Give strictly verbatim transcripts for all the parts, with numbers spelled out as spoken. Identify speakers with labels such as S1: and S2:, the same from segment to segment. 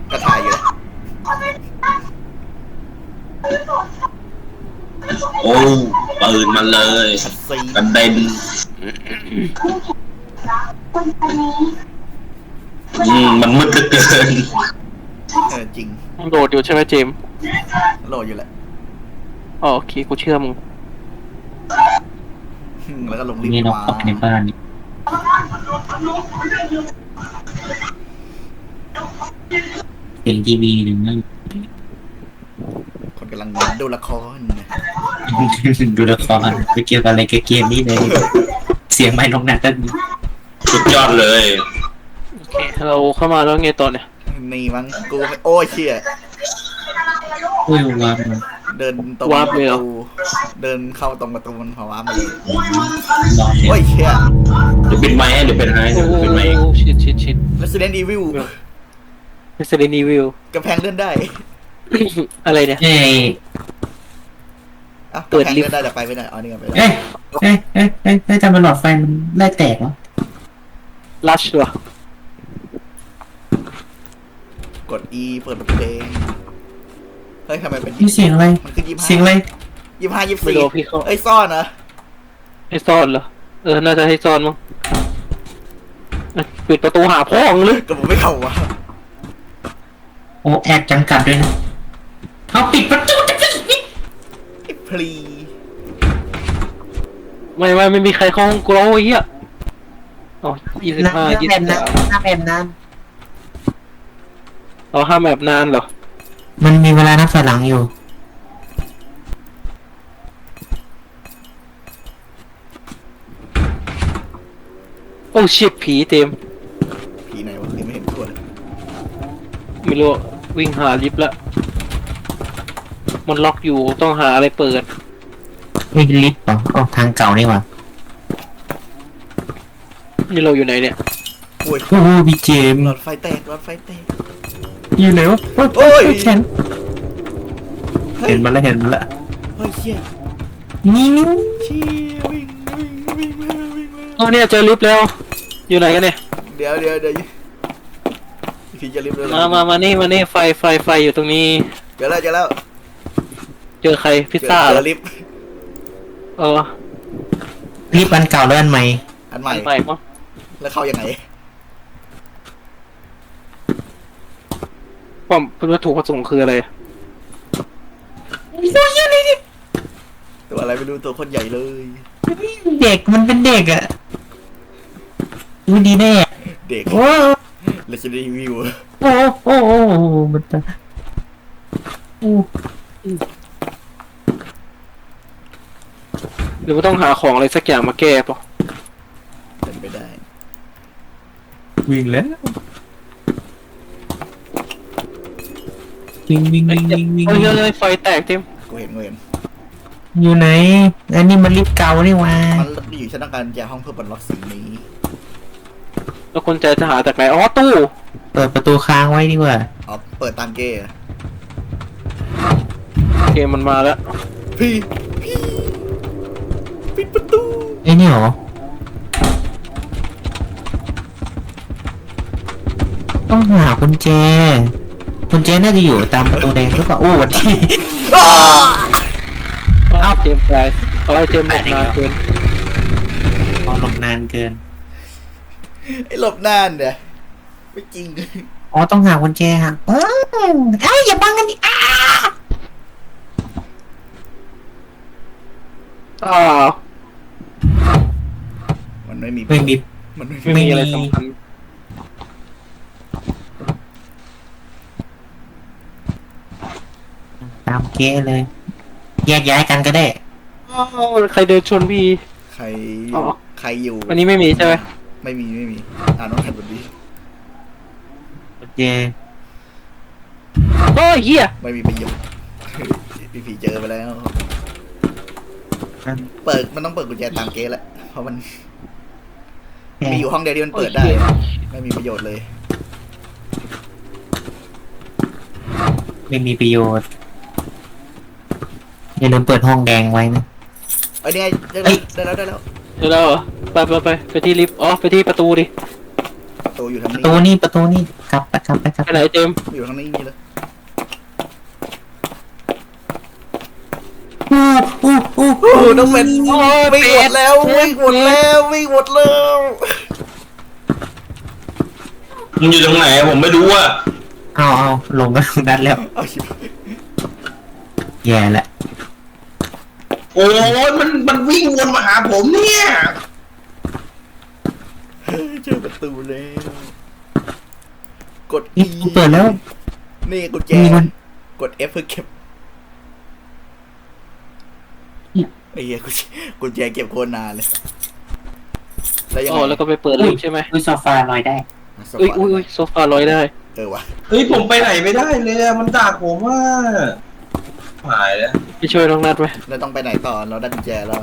S1: ก็ถ่ายอยู่นะ
S2: โอ้ปืนมันเลยกระเด็นอืมมันมืดเหลือเกิน
S1: เออจริง
S3: โหลดอยู่ใช่ไหมเจม
S1: โหลดอยู่แหละ
S3: อ๋อโอเคกูเชื่อมึง
S1: แล้วก็ลงลิฟ
S4: ต์มาในบ้านเป็นทีวีหรือไม่
S1: คนกำลังดูละคร
S4: ดูละครไปเกี่ยวกับอะไรกับเกมนี้เลยเสียงไม่ลงหนักกัน
S2: สุดยอดเลย
S3: โอเคเราเข้ามาแล้วไงต่อเนี่ย
S1: นี่มั้งกูไม่โอ้ยเชี่ย
S4: อุ้ยว้า
S1: เดินตรงประตูเดินเข้าตรงประตูมันพอว้ามาเลยโอ้ยเชี่ย
S2: เดี๋ยวเป็นไม้เดี๋ยวเป็นไม้เดี๋ยวเป็นไม้
S3: ชิดชิดชิด
S1: Resident Evil
S3: Resident Evil
S1: กำแพงเลื่อนได้
S3: อะไรเนี่ย
S4: เฮ้ย
S1: เปิดลิฟต์ได้แต่ไปไม่ได้อ๋อนี่ไงไปได้
S4: เอ้ยเอ้ยเอ้ยเอ้ยเอ้ยทำไมหลอดไฟมันไล่แตกวะ
S3: ลัชเหรอก
S1: ด E เปิดเพลงเฮ้ยทำไมเป็น
S4: เสียงอะไร
S1: มันคือยี่สิบห้า
S4: เสียงอะไร
S1: ยี่สิบห้ายี่สิบสี่เอ้ยซ่อนเหรอ
S3: ให้ซ่อนเหรอเออน่าจะให้ซ่อนมั้งปิดประตูหาพ่อมึงเลย
S1: ก็ผมไม่เข้าวะ
S4: โอ้แอบจังกัดด้วยนะเอาปิดประตู
S1: พลี
S3: ไม่ไม่ไม่มีใครเข้าห้องกูแล้วไอ้เหี้ยอ๋อยี่สิบห้ายี่สิบสาม
S4: ห้าแบบนั้น
S3: เอาห้าแบบนานเหรอ
S4: มันมีเวลานับถอยหลังอยู่
S3: โอ้ชิบผีเต็ม
S1: ผีไหนวะยังไม่เห็นตัวเลย
S3: ไม่รู้วิ่งหาลิฟต์ละมันล็อกอยู่ต้องหาอะไรเปิด
S4: ไม่ลิฟต์เหรออ๋อทางเก่านี่หว่า
S3: นี่เราอยู่ไหนเนี่ย
S1: โอ้ย
S4: โอ้พี่เจม
S1: หลอดไฟแตกหลอดไฟแตก
S4: อยู่ไหนวะ
S1: โอ้ย
S4: เห็นเห็นมาแล้วเห็นมาแล้ว
S1: เฮ้ยเชี่ย
S4: นี่
S1: เชี่ยวิ่งวิ่งวิ่งมาวิ่งมา
S3: อ๋อเนี่ยเจอลิฟต์แล้วอยู่ไหนกันเนี่ย
S1: เดี๋ยวเดี๋ยวเดี๋ยวพี่จะลิฟต์เลย
S3: มามามานี่มานี่ไฟไฟไฟอยู่ตรงนี้
S1: เจอแล้วเจอแล้ว
S3: เจอใครพิซซ่า
S1: เจอลิฟต์
S3: เออ
S4: ลิฟต์อันเก่าแล้วอันใหม่
S1: อันใหม่
S3: ใหม่มั้ง
S1: แล้วเข้ายังไง
S3: ความวัตถุประสงค์คืออะไร
S1: ตัวอะไรไม่รู้ตัวคนใหญ่เลย
S4: เด็กมันเป็นเด็กอะดูดีแน่
S1: เด็ก
S4: โอ้
S1: Resident Evil
S4: โอ้โอ้โอ้มันจะโอ้
S3: หรือว่าต้องหาของอะไรสักอย่างมาแก้ป่ะ
S1: เป็นไปได้
S4: วิ่งแล้ววิ่งวิ่งวิ่งวิ่งวิ่ง
S3: เฮ้ยเฮ้ยไฟแตกเต็ม
S1: กูเห็นกูเห็น
S4: อยู่ไหนอันนี้มันลิฟต์เก่านี่วะ
S1: มันอยู่ชั้นการแจห้องเพื่อบรรล็อกสิ่งนี้
S3: แล้วคนใจจะหาจากไหนอ๋อตู้
S4: เปิดประตูค้างไว้ดีกว่า
S1: อ๋อเปิดตามเกย์
S3: เกมมันมาแล้ว
S1: พี่พี่ปิดประตู
S4: ไอ้นี่หรอต้องหากุญแจกุญแจน่าจะอยู่ตามประตูแดงหรือเปล่าโอ้วันที่
S3: อ้าวเจมส์ไปเอาไอ้เจมส์หลบนานเกิน
S4: เอาหลบนานเกิน
S1: ไอ้หลบนานเนี่ยไม่จริง
S4: อ๋อต้องหากุญแจฮะเออไอ้อย่าบังกันดิอ้า
S3: อ้าว
S1: มันไม่มี
S4: ไม่มี
S1: มันไม่
S3: มีอะไรสำคัญ
S4: ตามเก๊เลยแยกย้ายกันก็ได้
S3: ใครเดินชนพี่
S1: ใครใครอยู่
S3: อันนี้ไม่มีใช่ไหม
S1: ไม่มีไม่มีอ่านน้องแผ่นบนนี้
S4: โอเค
S3: โอ้ยเหี้ย
S1: ไม่มีประโยชน์พี่ผีเจอไปแล้วเปิดมันต้องเปิดกุญแจตามเกสแหละเพราะมันมีอยู่ห้องเดียวที่มันเปิดได้ไม่มีประโยชน์เลย
S4: ไม่มีประโยชน์อย่าลืมเปิดห้องแดงไว้นะ
S1: ไอ้นี่ไงได้แล้วได้แล้ว
S3: ได้แล้วเหรอไปไปไปไปที่ลิฟต์อ๋อไปที่ประตูดิ
S1: ประตูอยู่ทางนี้
S4: ประตูนี่ประตูนี่กลับไปกลับไปกลับ
S3: ไปไหนเจมส์
S1: อยู่ทางนี้มีเลย
S4: อู้อู้อู้
S1: โอ้ต้องเป็นวิ่งหมดแล้ววิ่งหมดแล้ววิ่งหมดแล้ว
S2: มันอยู่ตรงไหนผมไม่รู้อ่ะ
S4: เอาเอาลงก็ลงนัดแล้ว
S1: เอาชิบ
S4: แย่ละ
S2: โอ้ยมันมันวิ่งวนมาหาผมเนี่ย
S1: เจอประตูแล้วกด
S4: นี่
S1: E
S4: เปิดแล้ว
S1: นี่กุญแจ
S4: มีมัน
S1: กด F เพื่อเก็บไอ้เหี้ยกุญแจกุญแจเก็บโคตรนานเลยแล้วยัง
S3: อ๋อ
S1: ไง
S3: แล้วก็ไปเปิดลิฟต์ใช่ไหม
S4: อุ้ยโซฟาลอยได้
S3: อุ้ยอุ้ยอุ้ยโซฟาลอยได้
S1: เออวะ
S2: เฮ้ยผมไปไหนไม่ได้เลยอะมันด่าผมว่าหายแล้ว
S3: ไปช่วยน้องนัดไหม
S1: เราต้องไปไหนต่อเราได้กุญแจแล้ว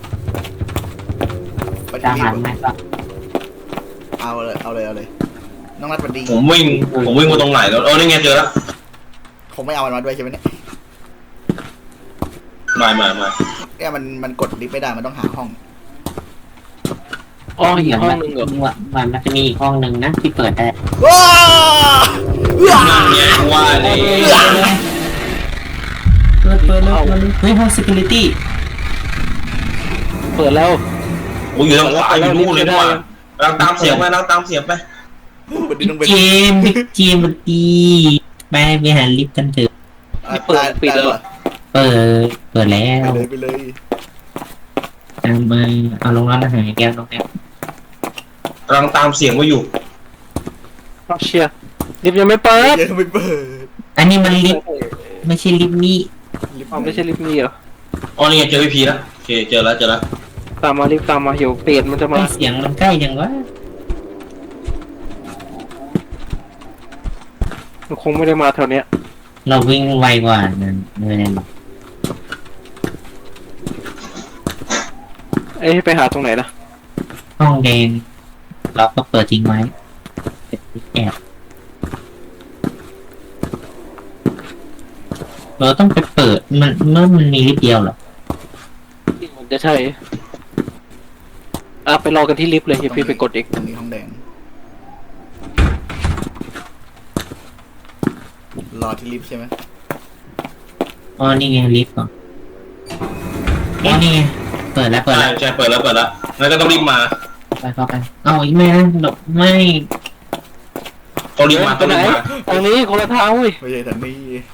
S1: ไป
S4: ตา
S1: ที่
S4: ม
S1: รี
S4: หั
S1: บ
S4: นไหมก็
S1: เอาเลยเอาเลยเอาเลยน้องนัดวันดี
S2: ผมวิ่งผมวิ่งมาตรงไหนแล้วเออนี่ไงเจอแล้ว
S1: คงไม่เอามันมาด้วยใช่ไหมเนี่ย
S2: มามามา
S1: เนี่ยมันมันกดลิฟต์ไม่ได้มันต้องหาห้อง
S3: อ๋ออีกห้อง
S4: มัน
S3: หนึ่งเหรอ
S4: มันมันจะมีอีกห้องหนึ่งนะที่เปิดได้
S1: ว้า
S2: นั่นไงว่าเลย
S4: เปิดเปิดแล้วเฮ้ยห้อง security
S3: เปิดแล้ว
S2: โอ้ยอยู่ทางขวาอยู่นู่นเลยนี่หว่าเราตามเสียงไปเราตามเสียงไป
S1: วันนี้ต้องเป็น
S4: เจมส์บิ๊กเจมส์มันดีไปไปหาลิฟต์กันเถอะ
S1: อ่ะได้ได้เหรอ
S4: เปิดเปิดแล้ว
S1: ไปเลยไปเลย
S4: ตามมาเอาลงแล้วหายแก้วลงแล้ว
S2: กำลังตามเสียงไว้อยู่
S3: เอาเชียร์ลิฟต์ยังไม่เปิด
S1: เดี๋ยวไม่เปิด
S4: อันนี้มันลิฟต์ไม่ใช่ลิฟต์นี่
S1: ลิฟต์
S3: อ๋อไม่ใช่ลิฟต์นี่เหรอ
S2: อ๋อนี่ไงเจอพี่พีแล้วโอเคเจอแล้วเจอแล้ว
S3: ตามมาลิฟต์ตามมาเดี๋ยวเปรตมันจะมา
S4: เสียงมันใกล้ยังวะ
S3: มันคงไม่ได้มาแถวเนี้ย
S4: เราวิ่งไวกว่านั่นไม่ได้หรอก
S3: เอ้ยไปหาตรงไหนนะ
S4: ห้องแดงเราก็เปิดทิ้งไว้แอบเราต้องไปเปิดมันเมื่อมันมีลิฟต์เดียวเหรอ
S3: มันจะใช่อ่ะไปรอกันที่ลิฟต์เลยเดี๋ยวพี่ไปกดอีก
S1: ตรงนี้ห้องแดงรอที่ลิฟต์ใช่ไหม
S4: อ๋อนี่ไงลิฟต์เหรออ๋อนี่ไงเปิดแล้วเปิด
S2: ใช่
S4: แล้ว
S2: ใช่เปิดแล้วเปิดแล้วงั้นก็ต้องรีบมา
S4: ไปเข้าไปเอาอีกไม่นะหลบไม่
S2: ต้องรีบมา
S3: ไป
S2: ต้อง
S3: ไหน
S2: รีบมา
S3: ทางนี้คนละทางเว้ย
S1: ไม่ใช่ทางนี้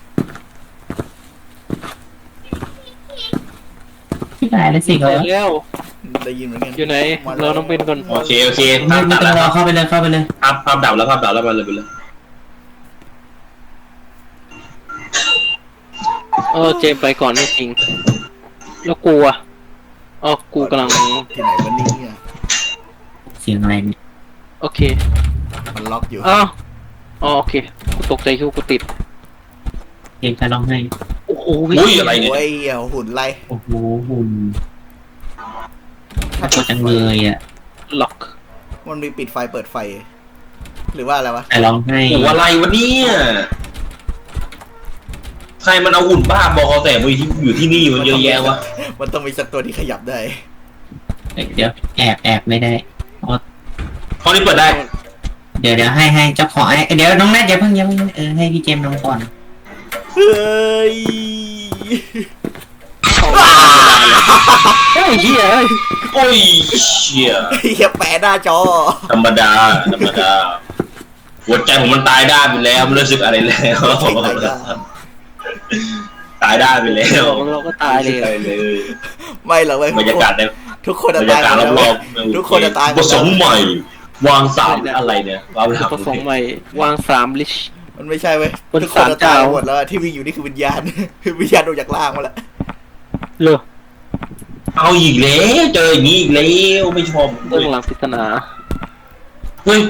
S4: ที่ไหนแล้วสิ
S3: เปิ
S4: เขา
S3: ดแล้ว
S1: ได้ยินเหมือนกัน
S3: อยู่ไหนเราต้องเป็นก่อน
S2: โอเคโอเค
S4: ไม่
S2: ภาพ
S4: ไม่
S2: ตัด
S4: ต้อง
S2: แล้ว
S4: รอเข้าไปเลยเข้าไปเลย
S2: ภาพภาพดับแล้วภาพดับแล้วมาเลยไปเลย
S3: เออเจมส์ไปก่อนไม่จริงแล้วกูอ่ะอ๋อกูกำลัง
S1: ที่ไหนวันนี้อ่ะ
S4: เสียงอะไรเนี่ย
S3: โอเค
S1: มันล็อกอยู่
S3: อ้าวอ๋อโอเคกูตกใจคิดว่ากูติด
S4: เสียงการร้องไห้
S3: โอ้โห
S2: อุ้ยอะไรเนี่ย
S1: โอ้ยเอาหุ่นไล่
S4: โอ้โหหุ่นน่ากลัวจังเลยอ่ะ
S3: ล็อก
S1: มันมีปิดไฟเปิดไฟ หรือว่าอะไรวะ
S4: แต่ร้องไห้
S2: โอ้อะไรวะเนี่ยใครมันเอาหุ่นบ้าบอคอแตกมาอยู่ที่อยู่ที่นี่มันเยอะแยะวะ
S1: มันต้องมีสักตัวที่ขยับได้
S4: เดี๋ยวแอบแอบไม่ได้อ๋อ
S2: ห้องนี้เปิดได้
S4: เดี๋ยวเดี๋ยวให้ให้เจ้าของไอ้เดี๋ยวน้องแนทอย่าเพิ่งอย่าเพิ่งเออให้พี่เจมส์ลงก่อน
S1: เฮ้ย
S3: เฮ้ยเฮียเอ้ย
S2: โอ้ยเชี่ย
S1: เฮียแปะหน้าจอ
S2: ธรรมดาธรรมดาหัวใจผมมันตายด้านไปแล้วไม่รู้สึกอะไรแล้ว ตายด้านไปแล้ว
S3: เราก็ตายเลย
S2: ตายเลย
S1: ไม่หรอกเว้ย
S2: บรรยากาศใน
S1: ทุกคน
S2: บร
S1: จะ
S2: รยา
S1: ตาย
S2: กาศ
S1: หมด
S2: ร
S1: แล้ว
S2: อบ
S1: เว้ย
S2: ๆ
S1: ทุกคนจะตายหมด
S2: ผ
S1: แล้ว
S2: สมใหม่ วางสามอะไรเนี่ยว้าว
S3: ผสมใหม่วางสามลิช
S1: มันไม่ใช่เว้ย
S3: บน
S1: ทุกคนจะตาย
S3: ศาลเจ้า
S1: หมดแล้วที่วิ่งอยู่นี่คือวิญญาณ วิญญาณออกจากล่างมาแล้ว
S3: เลย
S2: เอาอีกแล้วเจออย่างนี้อีกแล้วไม่ชอบ
S3: เบื้องหลังปริศนา
S2: เฮ้ยว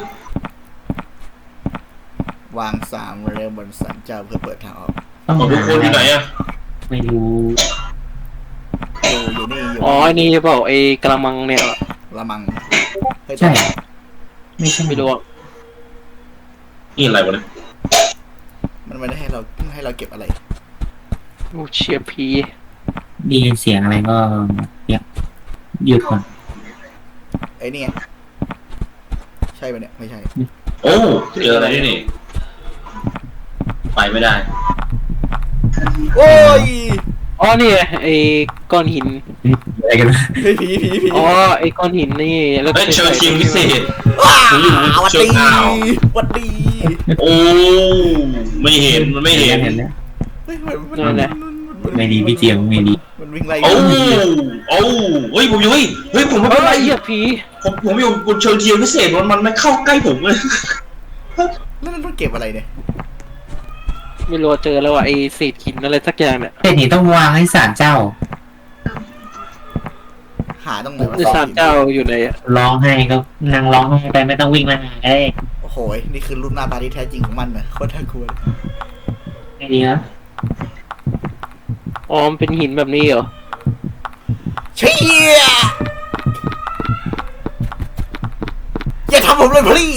S1: างสามเร็วบนสันเจ้าเพื่อเปิดทางออก
S4: ต้อง
S2: ของทุกคนอยู่ไหนอะ
S4: ไม่รู้
S1: อยู่อยู่นี่อยู่
S3: อ๋อไอ้นี่เปล่าไอ้กระมังเนี่ย
S1: ละมังเฮ้ย
S4: ใช่ไม่ใช่
S3: ไม่รู้อะ
S2: นี่อะไรวะเนี่ย
S1: มันไม่ได้ให้เราให้เราเก็บอะไร
S3: โอ้เชียร์พี
S4: ได้ยินเสียงอะไรก็เดี๋ยวหยุดก่อน
S1: ไอ้นี่ไงใช่ปะเนี่ยไม่ใช่
S2: โอ้เจออะไรนี่นี่ไปไม่ได้
S1: โอ้ย
S3: อ๋อนี่ไงไอ้ก้อนหิน
S4: อะไรกัน
S1: เฮ้ยผีผีผี
S3: อ๋อไอ้ก้อนหินนี่แล้ว
S2: เฮ้ยเชิญทีมพิเศษ
S1: ว้า
S2: ผมอยู่
S1: วัด
S2: เชิ
S1: ดี
S2: งอ่าว
S1: วัดดี
S2: โอ้ไม่เห็นมันไม่เห็น
S4: เห็นแล้ว
S1: เฮ้ยมันมัน
S3: นั่นแหละ
S4: ไม่ดีพี่เจมไม่ดี
S1: มันวิ่งไล่
S2: โอ้โอ้เฮ้ยผมอยู่เฮ้ยเฮ้ยผมไม่
S3: เฮ้
S2: เป็นไร
S3: ยเหี้ยผี
S2: ผมผมอยู่บนเชิงทีมพิเศษมันมันไม่เข้าใกล้ผมเลย
S1: แล้วมันมันเก็บอะไรเนี่ย
S3: ไม่รู้ว่าเจอแล้วว่ะไอ้เศษหินอะไรสักอย่างเนี่ย
S4: แต่นี่ต้องวางให้ศาลเจ้า
S1: หาตรงไหนวะ
S3: ไอ้ศาลเจ้าอยู่ไหนอะ
S4: ร้องไห้ก็นั่งร้องไห้ไปไม่ต้องวิ่งมาหาก็ได้
S1: โอ้โหนี่คือรูปหน้าตาที่แท้จริงของมันนะโคตรน่ากลัวเลย
S4: ไม่ดีนะ
S3: อ๋อมันเป็นหินแบบนี้เหรอ
S1: เชี่ยอย่าทำผมเลยพี่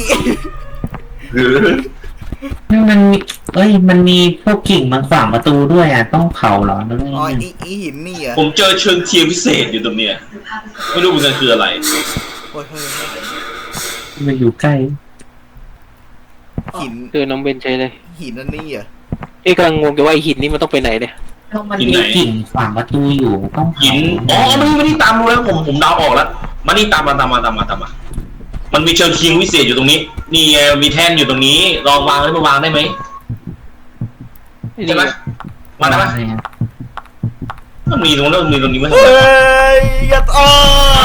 S4: มันมีเอ้ยมันมีพวกกิ่งมาขวางประตูด้วยอ่ะต้องเผาเหรอหรือไง
S1: อ๋ออีอีหินนี่เหรอ
S2: ผมเจอเชิงทีมพิเศษอยู่ตรงเนี้ยไม่รู้เหมือนกันคืออะไร
S1: โอ้ยเฮ้ยเฮ้ย
S4: มันอยู่ใกล้
S1: หิน
S3: เจอน้องเบนใช่เลย
S1: หินนั่นนี่เหรอ
S3: เอ้กำลังงงอยู่ว่าไอ้หินนี่มันต้องไปไหนเนี่ย
S4: แล้วมันมีกิ่งขวางประตูอยู่ต้องเผา
S2: หินอ๋อไม่ไม่ได้ตามดูแล้วผมผมเดาออกแล้วมานี่ตามมาตามมาตามมาตามมามันมีเชิงทีมพิเศษอยู่ตรงนี้นี่ไงมีแท่นอยู่ตรงนี้ลองวางได้มาวางได้ไหม
S3: ไอ้
S2: ใช่
S3: นี่
S2: ไหมวางได้ไหม
S4: อะไรอะ
S2: มันมีตรงนั้นมีตรงนี้ไหม
S1: เฮ้ยอย่าต่อ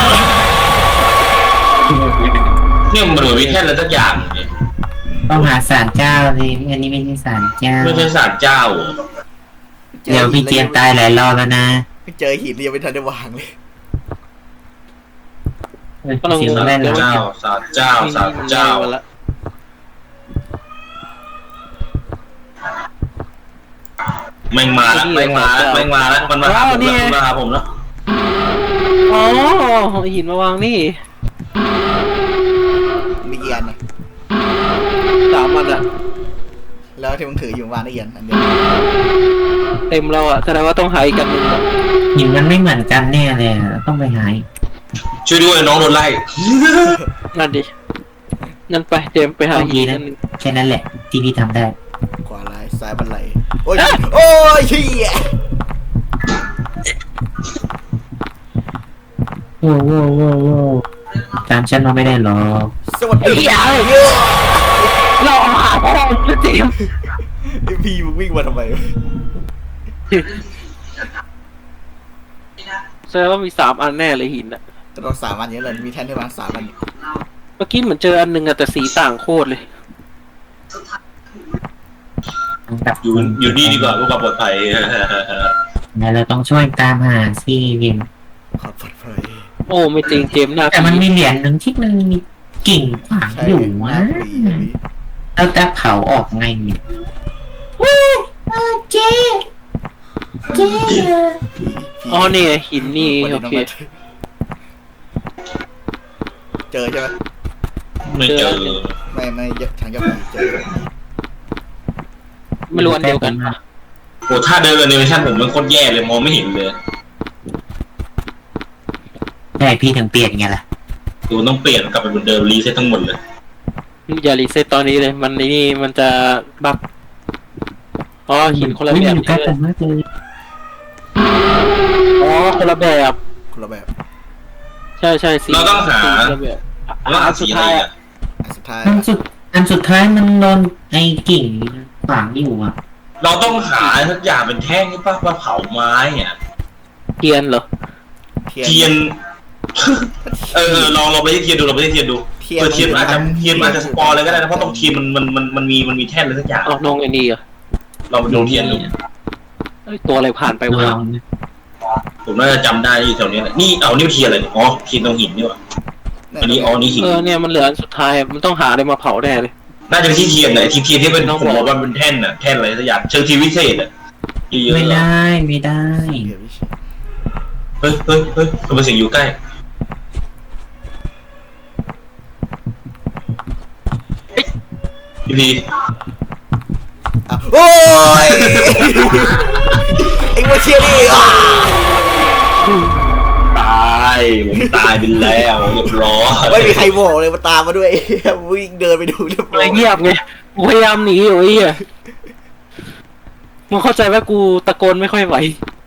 S2: เนี่ยมันเหมือนมีแท่นอะไรสักอย่างเนี่ย
S4: ต้องหาศาลเจ้าสิอันนี้ไม่ใช่ศาลเจ้า
S2: ไม่ใช่ศาลเจ้าเหรอ
S4: เดี๋ยวพี่เจมส์ตายหลายรอบแล้วนะ
S1: ไม่เจอหินเรียงไม่ทันได้วางเลย
S4: เออเสียงมันแม่น
S2: ศาล
S4: แล้ว
S2: เจ้าศาลเจ้าศาลเจ้า
S3: มาละ
S2: แม่งมาแล้วแม่งมาแล้วแม่งมาแล้วมันมาหาผมแล้วมันมาหาผมแล้ว
S3: อ๋อไอ้หินมาวางนี่
S1: มีเอียนนะ
S3: สามอันอะ
S1: แล้วที่มึงถืออยู่วางได้เอียนอันเดียว
S3: เต็มแล้วอะแสดงว่าต้องหาอีกกันหนึ่งอะ
S4: หินมันไม่เหมือนกันแน่เลยอะต้องไปหาอีก
S2: ช่วยด้วยน้องโดนไล่
S3: นั่นดินั่นไปเจมส์ไปหาหินนั่นหนึ่ง
S4: แค่นั้นแหละที่พี่ทำได้
S1: ขวาลายซ้ายบันไลโอ้ยโอ้ยเชี่ย
S4: โว้โว้โว้โว้ตามฉันมาไม่ได้หรอก
S1: สวัสดีเยอะ
S3: เราหาพ่อมึงเจมส์
S1: ไอพี่มึงวิ่งมาทำไม
S3: แสดงว่ามีสามอันแน่เลยหินอะ
S1: แต่เราสามอันเยอะเลยมีแท่นที่วางสามอัน
S3: เมื่อกี้เหมือนเจออันหนึ่งอะแต่สีต่างโคตรเลย
S4: กับ
S2: อยู่อยู่นี่ดีกว่าเพื่อความปลอดภัย
S4: งั้นเราต้องช่วยตามหาซี่วิม
S1: ขอบปลอดภัย
S3: โอ้ไม่จริงเจมส์หน้า
S4: แต่มันมีเหรียญหนึ่งที่มันมีกิ่งขวาง
S1: ใช่
S4: อยู่
S1: ห
S4: วะ
S1: น้าผีอย่างนี้
S4: เราจะเผาออกไงเนี่ยเจ๊เจ๊
S1: ผี
S3: อ๋อนี่ไงหินนี่
S1: วัน
S3: โอ
S1: นี้น้อง
S3: เค
S1: มาเจอใช่ไหม
S2: ไม่เจอ
S1: ไม่ไม่ทางเจ้าผีเจอ
S3: ไม่รู้อันเดียวกัน
S2: โอ้ถ้าเดินแอนิเมชั่นผมมันโคตรแย่เลยมองไม่เห็นเลย
S4: ใช่พี่ถึงเปลี่ยนไงล่ะ
S2: ตัวต้องเปลี่ยนกลับไปเหมือนเดิมรีเซ็ตทั้งหมดเลย
S3: อย่ารีเซ็ตตอนนี้เลยมันนี่มันจะบักอ๋อหินคนละ
S4: อุ๊ย
S3: แบ
S4: มัน
S3: บ
S4: อยู่ใกล้กันมากเลย
S3: อ๋อคนละแบบ
S1: คนละแบบ
S3: ใช่ใช่สี
S2: เราต้องหา
S3: คนละแบบ
S2: แล้วหาสีอะไรอ่ะ
S1: อันสุดท้าย
S4: อันสุดอันสุดท้ายมันโดนไอ้กิ่งขวางอยู่อ่ะ
S2: เราต้องหาทุกอย่างเป็นแท่งนี่ป่ะมาเผาไม้อ่ะ
S3: เทียนเหรอ
S1: เทียน
S2: เทียน เออลองลองไปที่เทียนดูลองไปที่เทียนดู
S1: เทียน
S2: เออเทียนมันอาจจะเทียนมันอาจจะสปอร์เลยก็ได้นะเพราะตรงเทียนมันมันมันมันมีมันมีแท่นอะไรสักอย่าง
S3: เอาน้องไอ้นี่เหรอ
S2: เราไปดูเทียนดู
S3: เอ้ยตัวอะไรผ่านไปวะ
S4: ลอง
S2: ผมน่าจะจำได้ที่แถวนี้แหละนี่เอานี่เทียนอะไรเนี่ยอ๋อเทียนตรงหินนี่หว่าอันนี้อ๋อนี่หิน
S3: เออเนี่ยมันเหลืออันสุดท้ายมันต้องหาอะไรมาเผาแน่เลย
S2: น่าจะเป็นที่เทียนไหนที่เทียนที่เป็น
S3: น้อง
S2: ผม
S3: บอก
S2: บอกว่ามันเป็นแท่นน่ะแท่นอะไรสักอย่างเชิงทีวิเศษอ่ะเยอะๆ
S4: ไม่
S2: อะ
S4: ได้ไม่ได้
S1: เทียนวิเศษ
S2: เฮ้ยเฮ้ยเฮ้ยทำไมเสียงอยู่ใกล้พี่พี
S1: อ่ะโอ้ยไอ้วัวเชียนี่อ่ะ
S2: ตายผมตายไปแล้วเรียบร้อย
S1: ไม่มีใครบอกเลยมาตามมาด้วยวิ่งเดินไปดูเรียบร้
S3: เล
S1: อย
S3: ยเงียบไงพยายามหนีอยู่ไอ้เหี้ยมึงเข้าใจว่ากูตะโกนไม่ค่อยไหว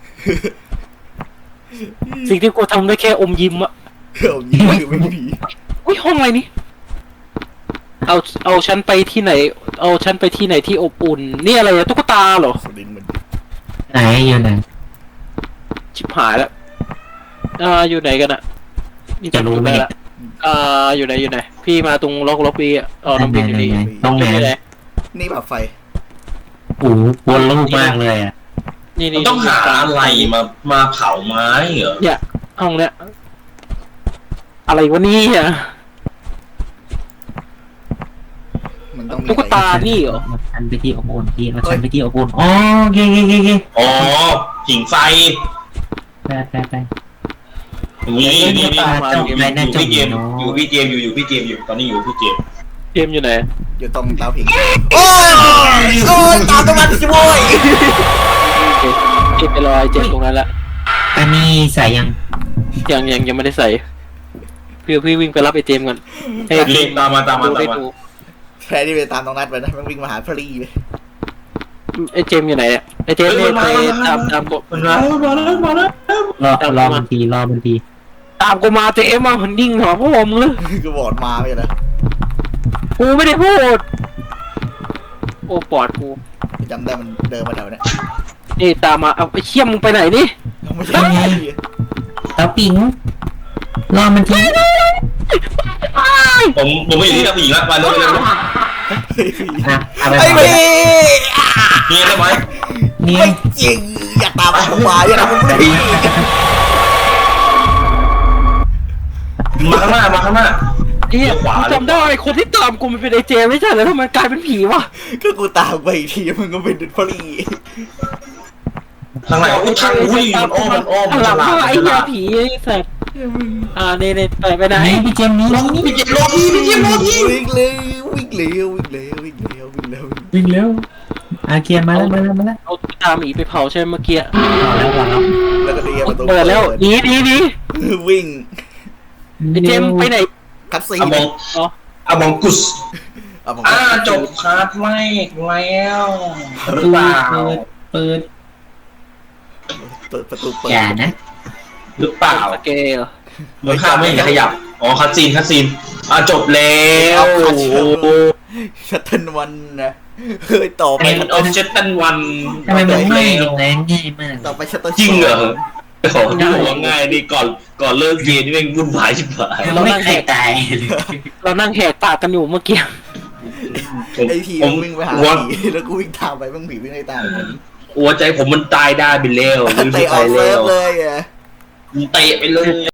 S3: สิ่งที่กูทำได้แค่อมยิ้มอะ
S1: เอายิงคือไม่มี
S3: อุ้ยห้องอะไรนี่เอาเอาฉันไปที่ไหน เอาฉันไปที่ไหนที่อบอุ่นนี่อะไรอะตุ๊กตาเหรอ
S1: สดินเหมือน
S4: ไหนอยู่ไหน
S3: ชิบหายแล้วอ่าอยู่ไหนกันอะนี่
S4: จะรู้ไหม
S3: จำจุดด้ละอ่าอยู่ไหนอยู่ไหนพี่มาตรงล็อกล็อกปีอะอ๋อน้องปีอยู่นี่
S4: ตรงไหน
S3: อยู่ไหน
S1: นี่แบบไฟ
S4: โอ้โหวนลูกมากเลยอ่ะ
S3: นี่
S2: มัน
S3: นี่
S2: ต้องหาอะไรมามาเผาไม้เหรอ
S3: เนี่ยห้องเนี้ยอะไรวะเนี่ย
S1: มันต้องมี
S3: ตุ๊ก
S1: อะไร
S3: ตานี่เหรอ
S4: มาชันไปที่อบอุ่นพี่มาชันไปที่อบอุ่นอ๋อโอเคโอเคโอเค
S2: อ๋อหิ่งไฟ
S4: ไปไปไป
S2: นี่นี่นี่
S4: ตาเจ้าไปน่า
S2: อยู่
S4: จะ
S2: พี่เจ
S4: มี
S2: มส์
S4: เนาะ
S2: อยู่พี่เจมส์อยู่อยู่พี่เจมส์อยู่ตอนนี้อยู่พี่เจมส์
S3: เกมอยู่ไหน
S1: อยู่ตรงเตาผิงโอ้ยโอ้ยตามตรงนั้นสิโว้ย
S3: เก็บไปรอยเจ็บตรงนั้นละ
S4: อันนี้ใส่ยัง
S3: ยังยังยังไม่ได้ใส่พี่พี่วิ่งไปรับไอเจมส์ก่อนให้ไอ้เจ
S2: รี
S3: ม
S2: บ
S3: ส์
S2: ตามมาตามมา
S3: ดู
S2: ตาม
S3: ได้
S2: มา
S3: ดู
S1: แพ้ที่ไปตามตรงนั้นไปนะมันวิ่งมาหาพรีเลย
S3: ไอเจมส์อยู่ไหนอะไอเจมส์เนี่ยไปตามตามกู
S2: มันมาแล้วมาแล้วมาแล้ว
S4: รอรอมันทีรอมันที
S3: ตามกูมาเจมส์มามันนิ่งเหรอพ่อมึงเลย
S1: ก็บอดมาไปนะ
S3: กูไม่ได้พูดโอ้ปอดกู
S1: จำได้มันเดินมาแถวเนี้ย
S3: นี่ตามมาเอาไอเชี่ยมมึงไปไหนนี่
S1: ไม่ใช่
S4: เตาปิงรอมันที
S2: ผมผมไม่อยู่ที่นักผู้หญิงแล้วมาเร็วเร็วเร็ว
S4: นะเอาไป
S1: ไอ้
S4: ก่อน
S1: พี่
S2: นี่ได้ไหม
S4: นี่
S1: ไม่จริงอย่าตามผมมาอย่าทำผมเลย
S2: มาข้างหน้ามาข้างหน้า
S3: เฮีย
S2: เลี้ยวขวา
S3: กูจำได้คนที่ตามกูมันเป็นไอเจมส์ไม่ใช่แล้วทำไมกลายเป็นผีวะ
S1: ก็กูตามไปอีกทีมึงก็เป็นพรี
S2: ทางไหนอุ้ยทางอุ้ยมันอ้อมมันอ้อมมัน
S3: ห
S2: ฉ
S3: ลัง
S2: ลาด
S3: ว่า
S2: มัน
S3: ไอ้
S2: ฉ
S3: เหี้ย
S2: ลาด
S3: ผีไอ้สัตว์อ่าเนี่ยเนี่ยไปไปไหน
S4: นี่พี่เจมส์นี่นี่
S2: พี่เจมส์รอพี่พี่เจมส์รอพี่
S1: วิ่งเร็ววิ่งเร็ววิ่งเร็ววิ่งเร็ววิ่งเร็ว
S4: วิ่งเร็วอาเกียร์มาแล้วมาแล้วมาแล้ว
S3: เอาตาหมีไปเผาใช่ไหมเมื่อกี้
S4: รอแล้วรอแล้ว
S1: แล้วก็เดียประตู
S3: เปิดแล้วหนีหนีหนี
S1: วิ่ง
S3: ไอ้เจมส์ไปไหน
S1: คัดซี
S2: อะมอง
S3: อ๋อ
S2: อะมองกุส
S1: เอาผม
S2: อ่าจบคาร์ดแรกแล้วห
S4: ประ
S2: รือ
S4: ตู
S2: เปล่า
S4: เปิดเปิด
S1: เปิดประตูเปิด
S4: อย่านะ
S2: หรือเปล่า
S3: สเกล
S2: เหมือนข้ามไม่เห็นขยับอ๋อคัดซีนคัดซีนอ่าจบแล้ว
S1: ชัตเทิลวันนะเฮ้ยต่อไป
S2: เอ็นออฟเจตันวัน
S4: ทำไมมันไม่แรงง่ายมาก
S1: ต่อไปชัตเทิล
S2: จริงเหรอโอ้โหที่บอกว่าง่ายดีก่อนก่อนเลิกเกมนี่แม่งวุ่นวายชิบหาย
S4: เราไม่เคยตายเลย
S3: เรานั่งแหกปากกันอยู่เมื่อกี้
S1: ไอพี
S2: ผม
S1: วิ่งไปหา
S2: หัว
S1: ผีแล้วกูวิ่งตามไปมึงผีวิ่งไล่ตามไป
S2: หัวใจผมมันตายได้ไปแล้วไม่
S1: เตะ
S2: รู้
S1: อ
S2: ใคร
S1: อกเซิ
S2: แล้
S1: ร์ฟ
S2: ว
S1: เลยอ่ะ
S2: เตะไปเลย